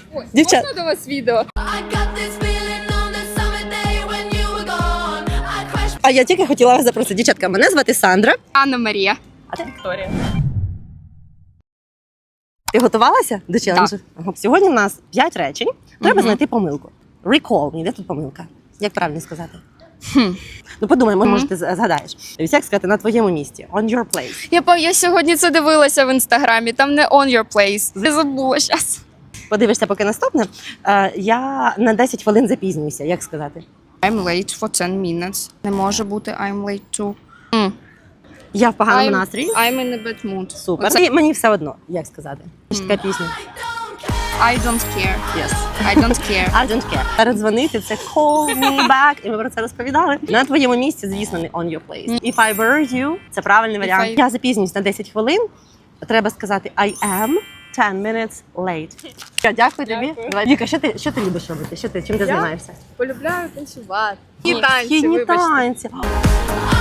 Дівчат, Можна до вас відео? а я тільки хотіла вас запросити. Дівчатка, мене звати Сандра. Анна Марія. А ти Вікторія. Ти готувалася до челенджу? Ага. Сьогодні в нас 5 речень. Треба знайти помилку. Recall me. Де тут помилка? Як правильно сказати? Ну подумай, може ти згадаєш. Як сказати, на твоєму місці. On your place. Я сьогодні це дивилася в інстаграмі, там не on your place. Я забула зараз. Подивишся, поки наступне. Я на 10 хвилин запізнююся. Як сказати? I'm late for 10 minutes. Не може бути I'm late too. Я в поганому настрої. I'm in a bad mood. Супер. Оце- І мені все одно, як сказати. Ще така пісня. I don't care. Yes. I don't care. I don't care. Передзвонити – це call me back. І ми про це розповідали. На твоєму місці, звісно, не on your place. If I were you – це правильний варіант. Я запізнююсь на 10 хвилин. Треба сказати I am 10 minutes late. Дякую тобі. Давай. Віка, що ти любиш робити? Чим ти займаєшся? Полюбляю танцювати. Східні танці.